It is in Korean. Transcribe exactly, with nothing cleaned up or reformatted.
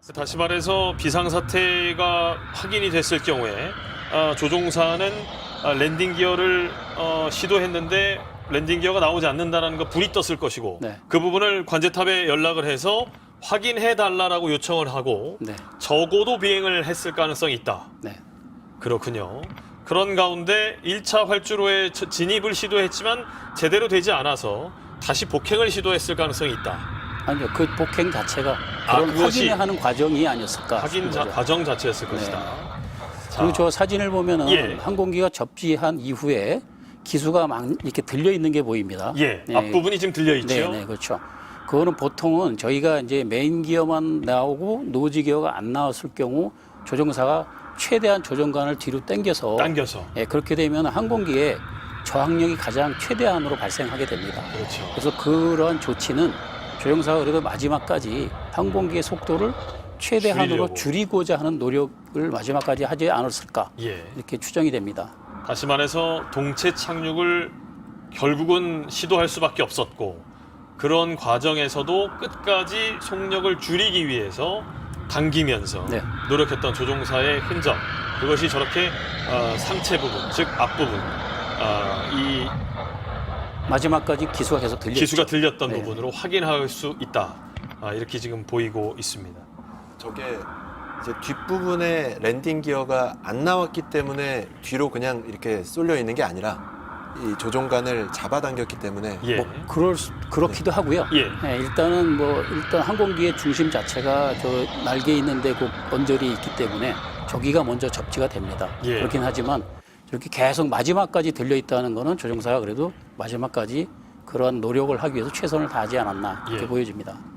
다시 말해서 비상사태가 확인이 됐을 경우에 아, 조종사는 아, 랜딩 기어를 어, 시도했는데 랜딩 기어가 나오지 않는다는 거 불이 떴을 것이고 네. 그 부분을 관제탑에 연락을 해서 확인해 달라고 요청을 하고 네. 적어도 비행을 했을 가능성이 있다. 네. 그렇군요. 그런 가운데 일 차 활주로에 저- 진입을 시도했지만 제대로 되지 않아서 다시 복행을 시도했을 가능성이 있다. 아니요, 그 복행 자체가 아, 그런 그것이 확인하는 과정이 아니었을까 확인 자, 싶은 거죠. 과정 자체였을 네. 것이다. 자, 그리고 저 사진을 보면은 예. 항공기가 접지한 이후에 기수가 막 이렇게 들려 있는 게 보입니다. 예, 네. 앞부분이 지금 들려 있죠. 네, 네, 그렇죠. 그거는 보통은 저희가 이제 메인 기어만 나오고 노지 기어가 안 나왔을 경우 조종사가 최대한 조종관을 뒤로 당겨서 당겨서. 예, 그렇게 되면 항공기의 저항력이 가장 최대한으로 발생하게 됩니다. 그렇죠. 그래서 그런 조치는 조종사가 그래도 마지막까지 항공기의 속도를 최대한으로 줄이려고. 줄이고자 하는 노력을 마지막까지 하지 않았을까 예. 이렇게 추정이 됩니다. 다시 말해서 동체 착륙을 결국은 시도할 수밖에 없었고 그런 과정에서도 끝까지 속력을 줄이기 위해서 당기면서 네. 노력했던 조종사의 흔적 그것이 저렇게 어, 상체 부분 즉 앞부분 어, 이 마지막까지 기수가 계속 들렸죠. 기수가 들렸던 네. 부분으로 확인할 수 있다. 아, 이렇게 지금 보이고 있습니다. 저게 이제 뒷부분에 랜딩 기어가 안 나왔기 때문에 뒤로 그냥 이렇게 쏠려 있는 게 아니라 이 조종관을 잡아당겼기 때문에 예. 뭐 그럴 수- 그렇기도 하고요. 예. 예, 일단은 뭐 일단 항공기의 중심 자체가 저 날개 있는데 그 언저리 있기 때문에 저기가 먼저 접지가 됩니다. 예. 그렇긴 하지만 이렇게 계속 마지막까지 들려 있다는 거는 조종사가 그래도 마지막까지 그러한 노력을 하기 위해서 최선을 다하지 않았나 이렇게 예. 보여집니다.